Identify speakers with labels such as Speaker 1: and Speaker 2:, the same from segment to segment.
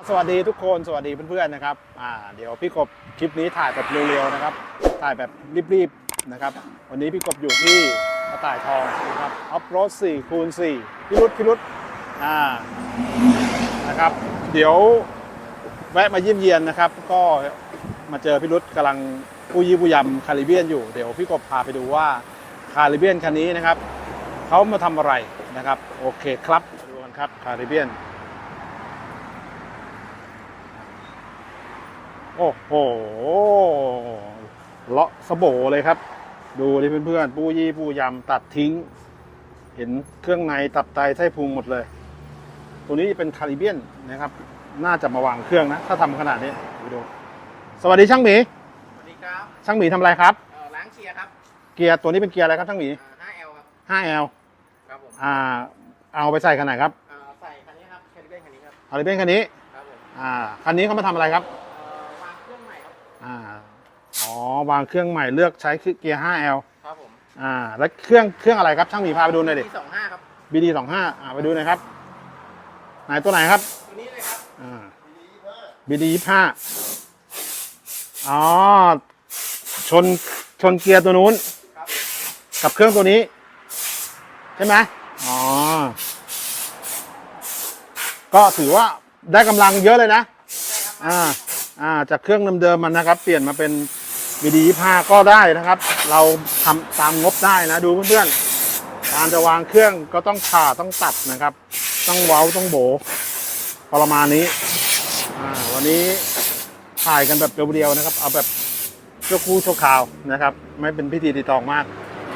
Speaker 1: สวัสดีทุกคนสวัสดีเพื่อนๆนะครับเดี๋ยวพี่กบคลิปนี้ถ่ายแบบเร็วๆนะครับถ่ายแบบรีบๆนะครับวันนี้พี่กบอยู่ที่กระต่ายทองนะครับออฟโรด4x4พี่รุธนะครับเดี๋ยวแวะมาเยี่ยมเยียนนะครับก็มาเจอพี่รุธกำลังปูยี่ปูยำคาริเบียนอยู่เดี๋ยวพี่กบพาไปดูว่าคาริเบียนคันนี้นะครับเขามาทำอะไรนะครับโอเคครับดูกันครับคาริเบียนโอ้โหเลาะสะโบเลยครับดูดิเพื่อนๆปูยี่ปูยำตัดทิ้งเห็นเครื่องในตับไตไส้พุงหมดเลยตัวนี้เป็นคาริเบียนนะครับน่าจะมาวางเครื่องนะถ้าทำขนาดนี้ดูสวัสดีช่างหมี
Speaker 2: สวัสดีครับ
Speaker 1: ช่างหมีทำอะไรครับ
Speaker 2: ล้างเกียร์ครับ
Speaker 1: เกียร์ตัวนี้เป็นเกียร์อะไรครับช่างหมี
Speaker 2: 5L ครับ
Speaker 1: 5L
Speaker 2: ครับผม
Speaker 1: เอาไปใส่ขนาดครับ
Speaker 2: ใส่คันนี้ครับคาริเบียนคันนี้ครับ
Speaker 1: คาริเบียนคันนี้
Speaker 2: ครับผม
Speaker 1: คันนี้เขามาทำอะไรครับ
Speaker 2: วางเครื่องใหม่ครับ
Speaker 1: วางเครื่องใหม่เลือกใช้เกียร์ 5L
Speaker 2: ครับผม
Speaker 1: แล้วเครื่องอะไรครับช่างหมีพาไปดูหน่อยดิ
Speaker 2: BD25 ครับ
Speaker 1: BD25 ไปดูหน่อยครับไหนตัวไหนครับ
Speaker 2: ตัวนี้เลยครับ
Speaker 1: BD25 อ๋อชนเกียร์ตัวนู้นกับเครื่องตัวนี้ใช่ไหมก็ถือว่าได้กำลังเยอะเลยนะจากเครื่องเดิมๆมันนะครับเปลี่ยนมาเป็น BD25 ก็ได้นะครับเราทำตามงบได้นะดูเพื่อนๆการจะวางเครื่องก็ต้องผ่าต้องตัดนะครับต้องเว้าต้องโบประมาณนี้วันนี้ถ่ายกันแบบเรียวๆนะครับเอาแบบชั่วครู่ชั่วคราวนะครับไม่เป็นพิธีรีตองมาก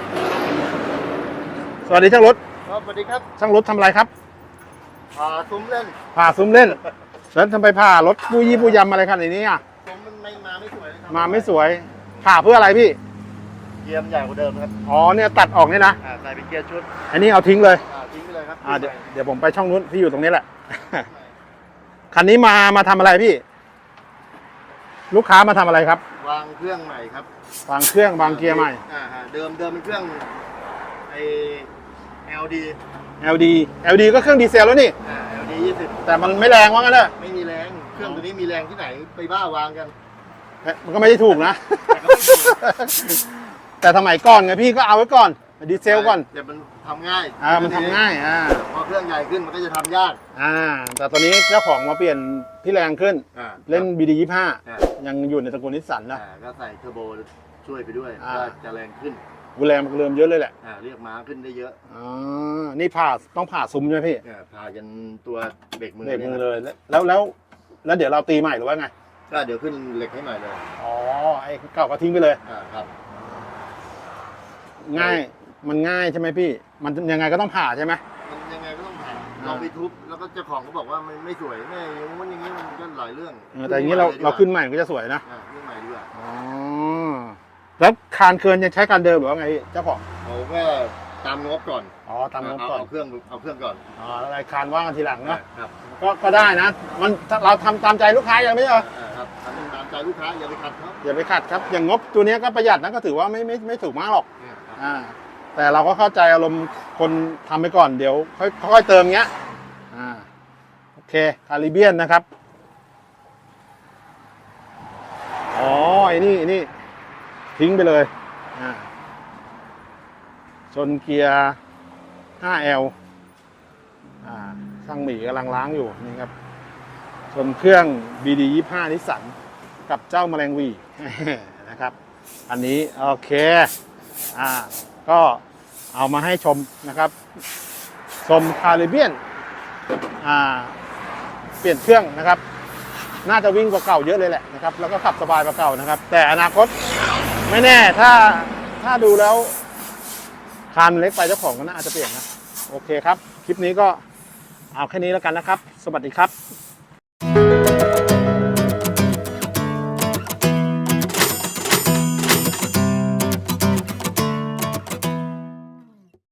Speaker 1: สวัสดีช่างรถ
Speaker 2: สวัสดีครับ
Speaker 1: ช่างรถทำอะไรครับ
Speaker 2: ผ่าซุ้มเล่น
Speaker 1: แล้วทำไมผ่ารถปูยี่ปูยำอะไรขนาดนี้
Speaker 2: ซุ้มมันมาไม่สวยเลยครับ
Speaker 1: มาไม่สวยผ่าเพื่ออะไรพี่
Speaker 2: เกียร์ใหญ่กว่าเดิมครับ
Speaker 1: เนี่ยตัดออกเนี่ยนะ
Speaker 2: ใส่เป็นเกียร์ชุด
Speaker 1: อันนี้เอาทิ้งเลย
Speaker 2: ทิ้งไปเลยครับ
Speaker 1: เดี๋ยวผมไปช่องนู้นพี่อยู่ตรงนี้แหละคันนี้มาทำอะไรพี่ลูกค้ามาทำอะไรครับ
Speaker 2: วางเครื่องใหม่ครับ
Speaker 1: วางเครื่องวางเกียร์ใหม่
Speaker 2: เดิมเป็นเครื่อง
Speaker 1: LD ก็เครื่องดีเซลแล้วนี่
Speaker 2: LD 20
Speaker 1: แต่มันไม่แรงว่างั้นเลย
Speaker 2: ไม่มีแรงเครื่องตัวนี้มีแรงที่ไหนไปบ้าวางกัน
Speaker 1: มันก็ไม่ได้ถูกนะแต่สมัยก่อนไงพี่ก็เอาไว้ก่อนดีเซลก่อน
Speaker 2: แต่มันทำง่าย
Speaker 1: มันทำง่าย
Speaker 2: พอเครื่องใหญ่ขึ้นมันก็จะทำยาก
Speaker 1: แต่ตอนนี้เจ้าของมาเปลี่ยนที่แรงขึ้นเล่น BD25 ยังอยู่ในตระกูลนิสสันนะ
Speaker 2: ก็ใส่เทอร์โบช่วยไปด้วยก็จะแรงขึ้น
Speaker 1: แรงมันเริ่มเยอะเลยแหละ
Speaker 2: เรียกม้าขึ้นได้เยอะ
Speaker 1: นี่ต้องผ่าซุ้มใช่ไหมพี่
Speaker 2: ผ่าจนตัวเบรกมือ
Speaker 1: เลยแล้วเดี๋ยวเราตีใหม่หรือว่าไง
Speaker 2: ก็เดี๋ยวขึ้นเหล็กให้ใหม่เลย
Speaker 1: ไอ้เก่าก็ทิ้งไปเลย
Speaker 2: ครับ
Speaker 1: มันง่ายใช่ไหมพี่มันยังไงก็ต้องผ่าใช่ไหม
Speaker 2: มันยังไงก็ต้องผ่าลองไปทุบแล้วก็เจ้าของก็บอกว่ามันไม่สวยแม่อย่างนี้มันก็หลายเรื่อง
Speaker 1: แต่อย่างนี้เราขึ้นใหม่ก็จะสวยนะ
Speaker 2: ขึ้นใหม่ด้วย
Speaker 1: แล้วคานเคินยังใช้การเดิมหรือว่าไงเจ้าของ
Speaker 2: เขาก็ตามงบก่อน
Speaker 1: ตามงบก่อน
Speaker 2: เอาเครื่องก่อน
Speaker 1: อะไรคานว่างกันทีหลังเนาะก็ได้นะมันเราทำตามใจลูกค้าอย่างไม่ใช่เหรอ
Speaker 2: ครับทำตามใจลูกค้าอย่าไปขัดครับ
Speaker 1: อย่างงบตัวนี้ก็ประหยัดนะก็ถือว่าไม่ถูกมากหรอกแต่เราก็เข้าใจอารมณ์คนทำไปก่อนเดี๋ยวค่อยเติมเงี้ยโอเคคาริเบียนนะครับไอ้นี่ทิ้งไปเลยชนเกียร์ 5L ช่างหมีกำลังล้างอยู่นี่ครับชนเครื่อง BD25 นิสสันกับเจ้าแมลงวีนะครับอันนี้โอเคก็เอามาให้ชมนะครับชมคาริเบียนเปลี่ยนเครื่องนะครับน่าจะวิ่งกว่าเก่าเยอะเลยแหละนะครับแล้วก็ขับสบายกว่าเก่านะครับแต่อนาคตไม่แน่ถ้าดูแล้วคันเล็กไปเจ้าของก็น่าจะเปลี่ยนนะโอเคครับคลิปนี้ก็เอาแค่นี้แล้วกันนะครับสวัสดีครับ